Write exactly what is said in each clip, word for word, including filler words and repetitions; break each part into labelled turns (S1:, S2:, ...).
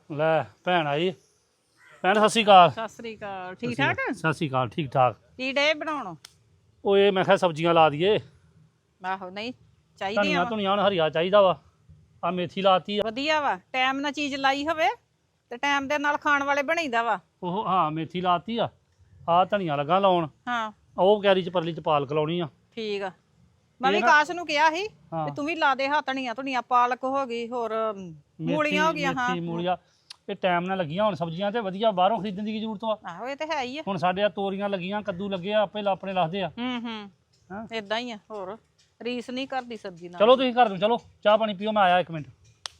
S1: ਲੈ ਭੈਣ ਆਈ ਭੈਣ ਸਤਿ ਸ਼੍ਰੀ ਅਕਾਲ।
S2: ਸਤਿ ਸ੍ਰੀ ਅਕਾਲ। ਠੀਕ ਠਾਕ
S1: ਸਤਿ ਸ਼੍ਰੀ ਅਕਾਲ ਠੀਕ ਠਾਕ।
S2: ਕੀ ਡੇ ਬਣਾਉਣ?
S1: ਉਹ ਇਹ ਮੈਂ ਕਿਹਾ ਸਬਜ਼ੀਆਂ ਲਾ ਦਈਏ।
S2: ਆਹੋ ਨਹੀਂ ਚਾਹੀਦੀਆਂ
S1: ਧਨੀਆ
S2: ਵਾ
S1: ਧੁਨੀਆ ਹੁਣ ਹਰੀਆ ਚਾਹੀਦਾ ਵਾ। ਆ ਮੇਥੀ ਲਾਤੀ ਆ।
S2: ਵਧੀਆ ਵਾ ਟਾਈਮ ਨਾਲ ਚੀਜ਼ ਲਾਈ ਹੋਵੇ ਤੇ ਟਾਈਮ ਦੇ ਨਾਲ ਖਾਣ ਵਾਲੇ ਬਣਾਈਦਾ ਵਾ।
S1: ਉਹ ਹਾਂ ਮੇਥੀ ਲਾਤੀ ਆ। ਆ ਧਨੀਆ ਲੱਗਾ ਲਾਉਣ।
S2: ਹਾਂ
S1: ਉਹ ਕੈਰੀ ਚ ਪਰਲੀ ਚ ਪਾਲਕ ਲਾਉਣੀ ਆ।
S2: ਠੀਕ ਆ। ਮੈਂ ਵੀ
S1: ਇਹ ਨਾ-
S2: ਕਾਸ਼ ਨੂੰ ਕਿਹਾ ਸੀ
S1: ਹਾਂ।
S2: ਵੀ ਤੂੰ ਵੀ ਲਾ ਦੇ ਹਾਂ ਧਨੀਆ ਧੁਨੀਆ ਪਾਲਕ ਹੋ ਗਈ ਹੋਰ ਮੂਲੀਆਂ ਹੋ ਗਈਆਂ। ਹਾਂ
S1: ਮੇਥੀ ਮੂਲੀਆਂ ਇਹ ਟਾਈਮ ਨਾਲ ਲੱਗੀਆਂ ਹੁਣ ਸਬਜ਼ੀਆਂ ਤੇ ਵਧੀਆ ਬਾਹਰੋਂ ਖਰੀਦਣ ਦੀ ਕੀ ਜ਼ਰੂਰਤ ਵਾ।
S2: ਆਹੋ ਇਹ ਤੇ ਹੈ ਹੀ ਆ।
S1: ਹੁਣ ਸਾਡੇ ਆ ਤੋਰੀਆਂ ਲੱਗੀਆਂ ਕੱਦੂ ਲੱਗੇ ਆ ਆਪੇ ਆਪਣੇ ਲੱਥਦੇ ਆ।
S2: ਹੂੰ ਹੂੰ
S1: ਹਾਂ
S2: ਇਦਾਂ ਹੀ ਆ। ਹੋਰ ਰੀਸ ਨਹੀਂ ਕਰਦੀ ਸਬਜ਼ੀ ਨਾਲ।
S1: ਚਲੋ ਤੁਸੀਂ ਘਰ ਨੂੰ ਚਲੋ ਚਾਹ ਪਾਣੀ ਪੀਓ ਮੈਂ ਆਇਆ ਇੱਕ ਮਿੰਟ।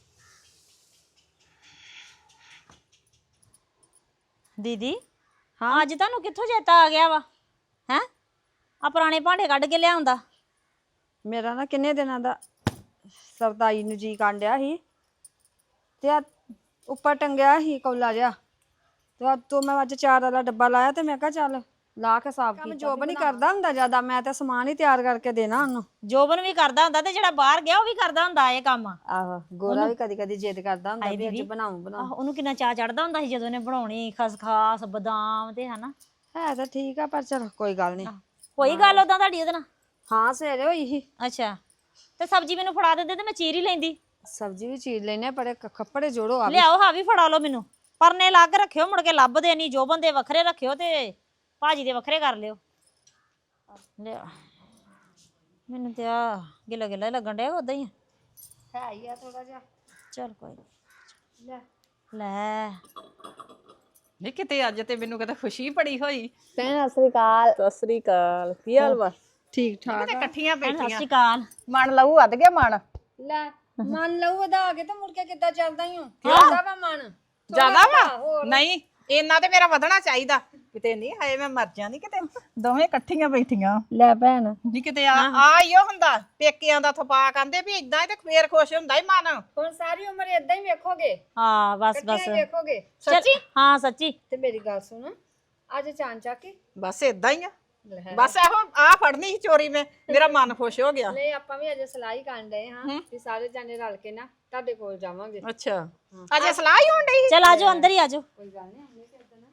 S3: ਦੀਦੀ ਹਾਂ ਅੱਜ ਤੁਹਾਨੂੰ ਕਿੱਥੋਂ ਚੇਤਾ ਆ ਗਿਆ ਵਾ ਹੈ ਆ ਪੁਰਾਣੇ ਭਾਂਡੇ ਕੱਢ ਕੇ ਲਿਆਉਂਦਾ।
S4: ਮੇਰਾ ਨਾ ਕਿੰਨੇ ਦਿਨਾਂ ਦਾ ਸਰਦਾਈ ਨੂੰ ਜੀ ਕਾਂਡਿਆ ਸੀ ਤੇ ਆ ਉੱਪਰ ਟੰਗਿਆ ਸੀ ਕੌਲਾ ਜਿਹਾ ਤੇ ਆ ਤੋਂ ਮੈਂ ਅੱਜ ਚਾਰ ਵਾਲਾ ਡੱਬਾ ਲਾਇਆ ਤੇ ਮੈਂ ਕਿਹਾ ਚੱਲ ਲਾ ਕੇ ਸਾਫ਼ ਕੀਤਾ। ਜੋਬ ਨਹੀਂ ਕਰਦਾ ਹੁੰਦਾ ਜ਼ਿਆਦਾ, ਮੈਂ ਤਾਂ ਸਮਾਨ ਹੀ ਤਿਆਰ ਕਰਕੇ ਦੇਣਾ ਉਹਨੂੰ।
S3: ਜੋਬਨ ਵੀ ਕਰਦਾ ਹੁੰਦਾ ਤੇ ਜਿਹੜਾ ਬਾਹਰ ਗਿਆ ਉਹ ਵੀ ਕਰਦਾ ਹੁੰਦਾ ਇਹ ਕੰਮ।
S4: ਆਹੋ ਗੋਰਾ ਵੀ ਕਦੀ ਕਦੀ ਜਿੱਦ ਕਰਦਾ ਹੁੰਦਾ
S3: ਹਾਏ
S4: ਵੀ ਅੱਜ
S3: ਦੀਦੀ।
S4: ਬਣਾਉਂ ਬਣਾਉਂ।
S3: ਆਹ, ਉਹਨੂੰ ਕਿੰਨਾ ਚਾਅ ਚੜਦਾ ਹੁੰਦਾ ਸੀ ਜਦੋਂ ਉਹਨੇ ਬਣਾਉਣੀ ਖਸਖਾਸ ਬਦਾਮ ਤੇ ਹਨਾ।
S4: ਹੈ ਤਾਂ ਠੀਕ ਆ ਪਰ ਚਲ ਕੋਈ ਗੱਲ ਨਹੀਂ।
S3: ਕੋਈ ਗੱਲ ਉਦਾਂ ਤੁਹਾਡੀ ਉਹਦੇ ਨਾਲ?
S4: ਹਾਂ ਸਵੇਰੇ ਹੋਈ ਸੀ।
S3: ਅੱਛਾ ਤੇ ਸਬਜ਼ੀ ਮੈਨੂੰ ਫੜਾ ਦਿੰਦੇ ਤੇ ਮੈਂ ਚੀਰ ਹੀ ਲੈਂਦੀ।
S4: ਸਬਜ਼ੀ ਵੀ ਚੀਰ ਲੈਨੇ ਪਰ ਕੱਪੜੇ ਜੋੜੋ ਆ ਵੀ।
S3: ਲਿਆਓ ਹਾਂ ਵੀ ਫੜਾ ਲਓ ਮੈਨੂੰ। ਪਰਨੇ ਲਾ ਕੇ ਰੱਖਿਓ ਮੁੜ ਕੇ ਲੱਭਦੇ ਨਹੀਂ। ਜੋਬਨ ਦੇ ਵੱਖਰੇ ਰੱਖਿਓ ਤੇ ਭਾਜੀ ਦੇ ਵੱਖਰੇ ਕਰ ਲਿਓ। ਲਿਆ ਮੈਨੂੰ ਤੇ ਆ ਗਿੱਲਾ ਗਿੱਲਾ ਹੀ ਲੱਗਣ ਡਿਆ ਉਦਾਂ ਹੀ।
S4: ਹੈ ਹੀ ਆ ਥੋੜਾ ਜਿਹਾ।
S3: ਚਲ ਕੋਈ ਨੀ।
S4: ਲੈ
S3: ਲੈ
S2: ਨਹੀਂ ਕਿਤੇ ਅੱਜ ਤੇ ਮੈਨੂੰ ਕਿਤੇ ਖੁਸ਼ੀ ਬੜੀ ਹੋਈ।
S4: ਭੈਣ ਸਤਿ ਸ੍ਰੀ ਅਕਾਲ।
S2: ਸਤਿ ਸ੍ਰੀ ਅਕਾਲ। ਕੀ ਹਾਲ ਵਾ?
S4: ਠੀਕ ਠਾਕ
S2: ਕਿਤੇ ਇਕੱਠੀਆਂ
S3: ਭੈਣ ਸਤਿ
S2: ਬੈਠੀਆਂ
S3: ਸ਼੍ਰੀ ਅਕਾਲ।
S2: ਮਨ ਲਊ ਵੱਧ ਗਿਆ ਮਨ।
S4: ਲੈ ਮਨ ਲਊ ਵਧਾ ਕੇ ਤੇ ਮੁੜ ਕੇ ਕਿੱਦਾਂ ਚੱਲਦਾ ਹੀ ਹੂੰ ਕਿਹਦਾ ਵਾ ਮਨ
S2: ਜ਼ਿਆਦਾ ਵਾ ਨਹੀਂ ਇੰਨਾ ਤੇ ਮੇਰਾ ਵਧਣਾ ਚਾਹੀਦਾ ਕਿਤੇ ਨਹੀਂ। ਹਾਏ ਮੈਂ ਮਰ ਜਾਣੀ ਕਿਤੇ ਦੋਵੇਂ ਇਕੱਠੀਆਂ ਬੈਠੀਆਂ।
S4: ਲੈ ਭੈਣ
S2: ਨਹੀਂ ਕਿਤੇ ਆ ਆ ਹੀ ਉਹ ਹੁੰਦਾ ਪੇਕਿਆਂ ਦਾ ਥਪਾ ਕਹਿੰਦੇ ਵੀ ਇਦਾਂ ਹੀ ਤੇ ਫੇਰ ਖੁਸ਼ ਹੁੰਦਾ ਹੀ ਮਨ।
S4: ਹੁਣ ਸਾਰੀ ਉਮਰ ਇਦਾਂ ਹੀ ਵੇਖੋਗੇ,
S3: ਹਾਂ ਬਸ ਬਸ
S4: ਇਕੱਠੀਆਂ ਹੀ ਵੇਖੋਗੇ।
S3: ਸੱਚੀ ਹਾਂ ਸੱਚੀ।
S4: ਤੇ ਮੇਰੀ ਗੱਲ ਸੁਣ ਅੱਜ ਚਾਂਚਾ ਕੀ
S2: ਬਸ ਇਦਾਂ ਹੀ ਆ। ਬਸ ਇਹੋ ਆ ਫੜਨੀ ਸੀ ਚੋਰੀ ਮੈਂ ਮੇਰਾ ਮਨ ਖੁਸ਼ ਹੋ ਗਿਆ।
S4: ਨਹੀਂ ਆਪਾਂ ਵੀ ਅਜੇ ਸਲਾਹੀ ਕਰਨ ਡਏ ਹਾਂ ਵੀ ਸਾਰੇ ਜਾਣੇ ਰਲ ਕੇ ਨਾ ਤੁਹਾਡੇ ਕੋਲ ਜਾਵਾਂਗੇ।
S2: ਅੱਛਾ ਅਜੇ ਸਲਾਹ ਹੀ ਹੋਣ ਡਈ ਸੀ।
S3: ਚਲ ਆਜੋ ਅੰਦਰ ਹੀ ਆਜੋ।
S4: ਕੋਈ ਗੱਲ ਨਹੀਂ ਆਉਂਦੇ ਫਿਰ ਨਾ।